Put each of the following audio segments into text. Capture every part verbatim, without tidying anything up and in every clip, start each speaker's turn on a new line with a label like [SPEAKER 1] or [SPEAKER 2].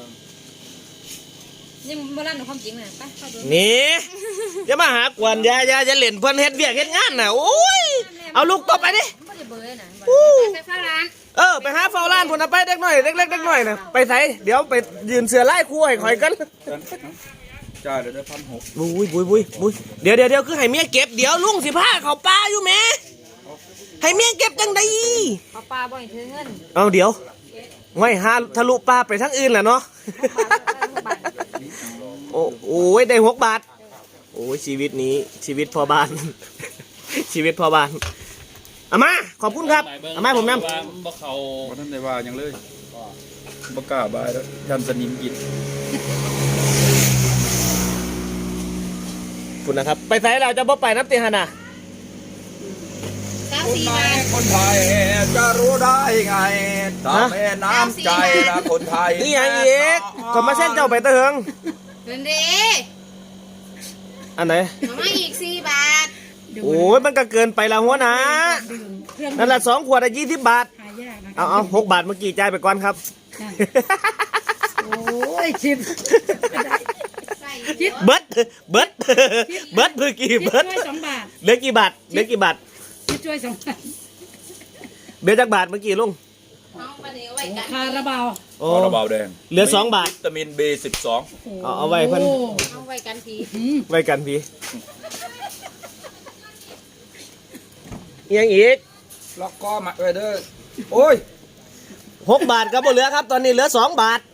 [SPEAKER 1] ยังโบราณของความจริงน่ะไปเข้าดู
[SPEAKER 2] นี่จะมาหากวนยายาจะเล่นเพื่อนเฮ็ดเวียกเฮ็ดงานน่ะโอ้ยเอาลูกต่อไปดิ
[SPEAKER 1] ไม่ได้เบอร์น่ะ
[SPEAKER 3] ไปเฝ้าร้าน
[SPEAKER 2] เออไปหาเฝ้าร้านพุ่นน่ะไปเด็กน้อยเล็กๆเด็กน้อยน่ะไปไสเดี๋ยวไปยืนเสือไล่คู่ให้ข่อยกัน
[SPEAKER 4] จ่ายเดี๋ยวได้พันหก
[SPEAKER 2] บุ้ยบุ้ยบุ้ยบุ้ยเดี๋ยวเดี๋ยวเดี๋ยวคือให้เมียเก็บเดี๋ยวลุงสิพาเขาป้าอยู่แม่ให้เมียเก็บจังได๋
[SPEAKER 1] เอาปลาบ่อยถือเงิน
[SPEAKER 2] เอาเดี๋ยวไว้หาทะลุป้าไปทั้งอื่นแหละเนาะโอ้โอ้ยได้หกบาทโอ้ยชีวิตนี้ชีวิตพ่อบ้านชีวิตพ่อบ้านอามาขอบคุณครับอามาผมนำ
[SPEAKER 4] บ่เขาบ่ท่านได้ว่าอย่างเลยบ่กล้าบายแล้วยันสนิมกิน
[SPEAKER 2] คุณนะครับไปไสเราจะบ่ไปน้ำเตียงน่ะ
[SPEAKER 4] คนไทยคนไทยจะรู้ได้ไงตามแม่น้ำใจนะคนไทย
[SPEAKER 2] นี่ยังอีกก็มาเส้นเจ้าไปเติง
[SPEAKER 3] เงินดี
[SPEAKER 2] อันไหน
[SPEAKER 3] มาอีกสี่บาท
[SPEAKER 2] โอ้ยมันก็เกินไปละหัวนะนั่นแหละสองขวดอะยี่สิบบาทเอาเอาหกบาทเมื่อกี้จ่ายไปก่อนครับ
[SPEAKER 1] โอ้ยชิบ
[SPEAKER 2] เบิร์ดเบิร์ดเบิร์ดเมื่อกี้เบิร์ดเหลือกี่บาทเหลือกี่บาท
[SPEAKER 1] ช่วยสองบาท
[SPEAKER 2] เหลือจักบาทเมื่อกี้ลุง
[SPEAKER 1] คาราบาว
[SPEAKER 2] คา
[SPEAKER 4] ราบาวแดง
[SPEAKER 2] เหลือสองบาท
[SPEAKER 4] วิตามิน บี สิบสอง
[SPEAKER 2] เอาเอาไว้เพิ่น
[SPEAKER 3] เอาไว้กันพี
[SPEAKER 2] ไว้กันพียังอีก
[SPEAKER 4] ล็อกก้อมาไว้เด้อโอ้ย
[SPEAKER 2] หกบาทครับบ่เหลือครับตอนนี้เหลือสองบาท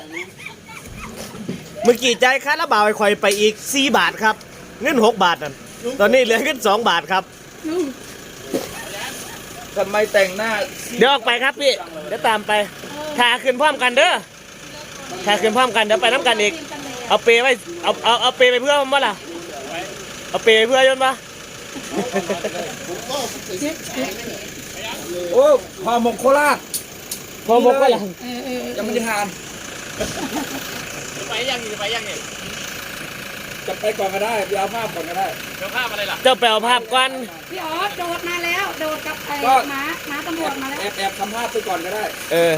[SPEAKER 2] เมื่อกี้ใจคาราบาวไอ้ข่อยไปอีกสี่บาทครับเงินหกบาทนั่นตอนนี้เหลือเงินสองบาทครับ
[SPEAKER 4] ทำไมแต่งหน้า
[SPEAKER 2] เดี๋ยวออกไปครับพี่เดี๋ยวตามไปถ่าขึ้นพร้อมกันเด้อถ่าขึ้นพร้อมกันเดี๋ยวไปน้ำกันอีกเอาเปไว้เอาเอาเอาเปไปเพื่อมันบ่ล่ะเอาเปไปเพื่อยนต์ปะ
[SPEAKER 4] โอ้ห่อหมกโคราช
[SPEAKER 2] ห่อหมกก็ล่ะ
[SPEAKER 4] ยังไม่ได้ทาน
[SPEAKER 2] จะไปยังจะไปยังเนี่ย
[SPEAKER 4] จะไปก่อนก็ได้ไปเอาภาพก่อนก็ได้
[SPEAKER 2] เอาภาพอะไรล่ะเจ้าไปเอาภาพก่อน
[SPEAKER 1] พี่อ๋อโดดมาแล้วโดดกับไอ้หมาหมาตำรวจมาแล้ว
[SPEAKER 4] แอบแอบทำภาพไปก่อนก็ได้
[SPEAKER 2] เออ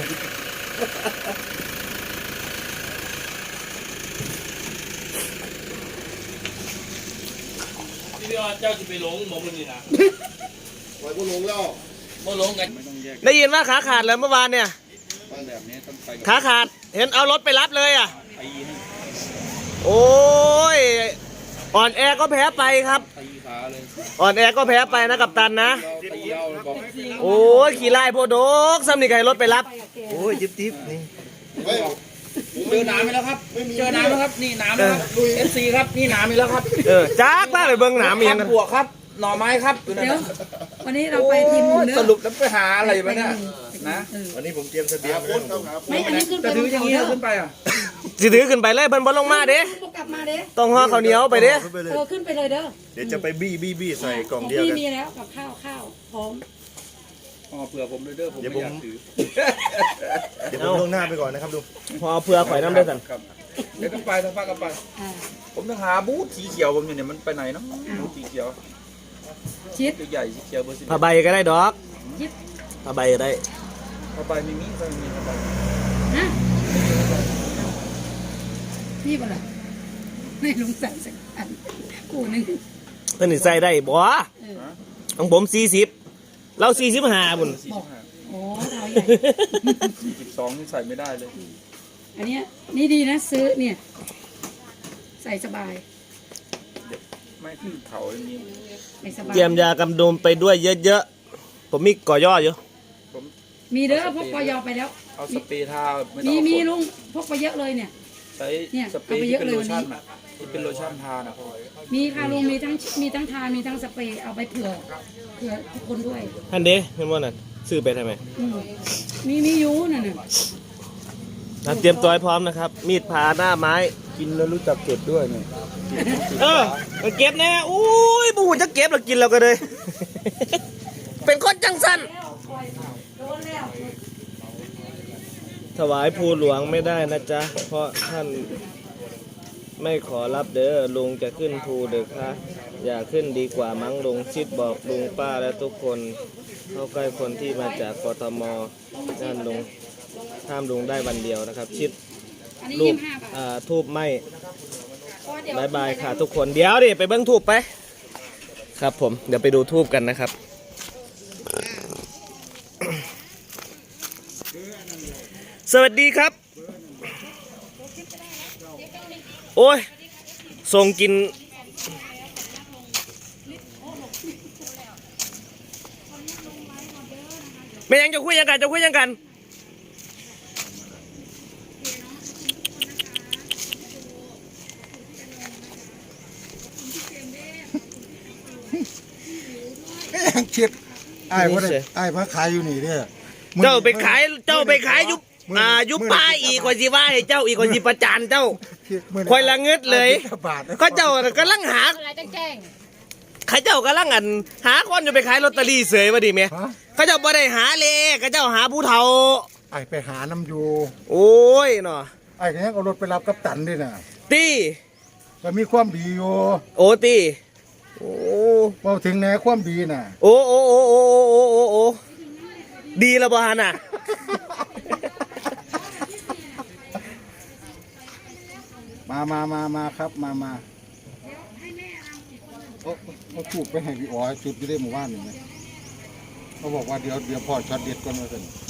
[SPEAKER 5] ที่พี่เจ้าจะไปหลงหมองมันนี่นะ
[SPEAKER 6] ปล่อยพวกหลงแล้ว
[SPEAKER 5] พวกหลงกัน
[SPEAKER 2] ได้ยินว่าขาขาดแล้วเมื่อวานเนี่ยขาขาดเห็นเอารถไปรับเลยอ่ะโอ้ยอ่อนแอก็แพ้ไปครับอ่อนแอก็แพ้ไปนะกัปตันนะโอ้ยขี่ไล่พวกโดกซ้ำนี่ไงรถไปรับโอ้ยจิ๊บจิ๊บนี่
[SPEAKER 4] เจอน้ำไปแล้วครับเจอน้ำแล้วครับนี่น้ำแล้วครับเอฟซีครับนี่น้ำไปแล้วครับ
[SPEAKER 2] เออจ้ากมากเลยเบิ้งน้ำเมียงกัน
[SPEAKER 4] บวกครับหน่อไม้ครับ
[SPEAKER 1] เดี๋ยววันนี้เราไปทีมเนื้อ
[SPEAKER 4] สรุปแล้วไปหาอะไรมาเนี่ยนะ
[SPEAKER 6] วันนี้ผมเตรียมเสบียง
[SPEAKER 1] ไม่อันนี้ขึ้นไป
[SPEAKER 4] จะถืออย่างนี้ขึ้นไปอ่ะ
[SPEAKER 2] จะถือขึ้นไปเลยเพิ่นบอลลงมาเด้
[SPEAKER 1] กลับมาเด้
[SPEAKER 2] ต้องห่อข้าวเหนียวไปเด้
[SPEAKER 1] เออขึ้นไปเลยเด้อ
[SPEAKER 6] เดี๋ยวจะไปบี้บี้บี้ใส่กล่องเดียว
[SPEAKER 1] กันมีแล้วกับข้าวข้าวพร้อม
[SPEAKER 4] ห่อเผื่อผมเลยเด้อผมไม่อยากถือ
[SPEAKER 6] เดี๋ยวผมลงหน้าไปก่อนนะครับดู
[SPEAKER 2] ห่อเผื่อข่อยน้ำได้สั่น
[SPEAKER 4] เดี๋ยวกันไปทั้งภาคกันไปผมต้องหาบูธสีเขียวผมเนี่ยมันไปไหนเนาะบูธสีเขียว
[SPEAKER 1] ชิด
[SPEAKER 4] ใหญ่สีเขียวเบอร์สิบ
[SPEAKER 2] ผ้าใบก็ได้ดอกผ้าใบก็ได้
[SPEAKER 4] ผ้าใบไม่มีไม่มีผ้าใบ
[SPEAKER 1] ฮะนี่ป่ะล่ะไม่ลุงใส่สักอันกูนึง
[SPEAKER 2] เพิ่นใส่ได้บ่ของผมสี่สิบเราสี่สิบห้าบุญ
[SPEAKER 1] โอ้เราใหญ่
[SPEAKER 4] สี่สิบสองนี่ใส่ไม่ได้เลย
[SPEAKER 1] อันนี้นี่ดีนะซื้อเนี่ยใส่สบาย
[SPEAKER 4] ไม่ขึ้นเขาอย่างนี้
[SPEAKER 2] เตรียมยากำดมไปด้วยเยอะๆผมมีก่อย่ออยู่
[SPEAKER 1] มีเด้อพกกอยอไปแล้ว
[SPEAKER 4] เอาสเปรย์ทา
[SPEAKER 1] มีมีลุงพกไปเยอะเลยเนี่ย
[SPEAKER 4] ใช้สเปรย์ที่เป็นโลชั่นอ่ะที่เป็นโลชั่นทานะ
[SPEAKER 1] มีค่ะลุงมีทั้งมีทั้งทามีทั้งสเปรย์เอาไปเผื่อเผื่อทุกคนด้วย
[SPEAKER 2] ท่านเด้เห็นว่านั่นซื้อไปทำไม
[SPEAKER 1] มีมียูนั่น
[SPEAKER 2] น่ะเตรียมตัวให้พร้อมนะครับมีดผ่าหน้าไม้
[SPEAKER 4] กินแล้วรู้จักเก็บด้วยเนี่ย
[SPEAKER 2] เออเก็บแน่อุ้ยบูจะเก็บแล้วกินเราก็เลยเป็นคนจังสันถวายภูหลวงไม่ได้นะจ๊ะเพราะท่านไม่ขอรับเด้อลุงจะขึ้นภูเด้อค่ะอย่าขึ้นดีกว่ามั้งลุงชิดบอกลุงป้าและทุกคนเข้าใกล้คนที่มาจากกทมนั่นลุงห้ามลุงได้วันเดียวนะครับชิด
[SPEAKER 1] อันนี้
[SPEAKER 2] รู
[SPEAKER 1] ยี่
[SPEAKER 2] ป
[SPEAKER 1] สิบห้าบาท
[SPEAKER 2] อ่าทูบไหม
[SPEAKER 1] เพราะเดี๋ยว
[SPEAKER 2] บายบายค่ะทุกคนเดี๋ยวดิไปเบิ้งทูบไปครับผมเดี๋ยวไปดูทูบกันนะครับ สวัสดีครับ โอ้ยส่งกินไม่ยังจะคุยยังกันจะคุยยังกัน
[SPEAKER 7] ยังคิดไอ้พ่อได้ไอ้พ่อขายอยู่นี่เนี่ย
[SPEAKER 2] เจ้าไปขายเจ้าไปขายยุบอ่ายุบป้าอีกกว่าสิว่าให้เจ้าอีกกว่าสิประจานเจ้าคอยละเงิดเลยก็เจ้ากำลังหา
[SPEAKER 3] อะไรต้องแจ้ง
[SPEAKER 2] ข้าเจ้ากำลังอันหาคนจะไปขายลอตเตอรี่เสยมาดิเมียข้าเจ้าบ่ได้หาเลขข้าเจ้าหาผู้เฒ่า
[SPEAKER 7] ไอ้ไปหาน้ำอยู่
[SPEAKER 2] โอ้ยเนาะ
[SPEAKER 7] ไอ้ก็ยังเอารถไปรับกับตันด้วยนะ
[SPEAKER 2] ตี
[SPEAKER 7] ก็มีความดีอยู่
[SPEAKER 2] โอ้ตีโอ้
[SPEAKER 7] พอถึงแนวความดีน่ะ
[SPEAKER 2] โอ้โอ้โอ้โอ้โอ้โอ้โอ้ดีและบ่ฮะน่ะ
[SPEAKER 7] มามามามาครับมามาโอ้เขาถูกไปให้พี่อ๋อจุดที่ได้หมู่บ้านนี่ไหมเขาบอกว่าเดี๋ยวเดี๋ยวพอช็อตเด็ดก่อนมาสิ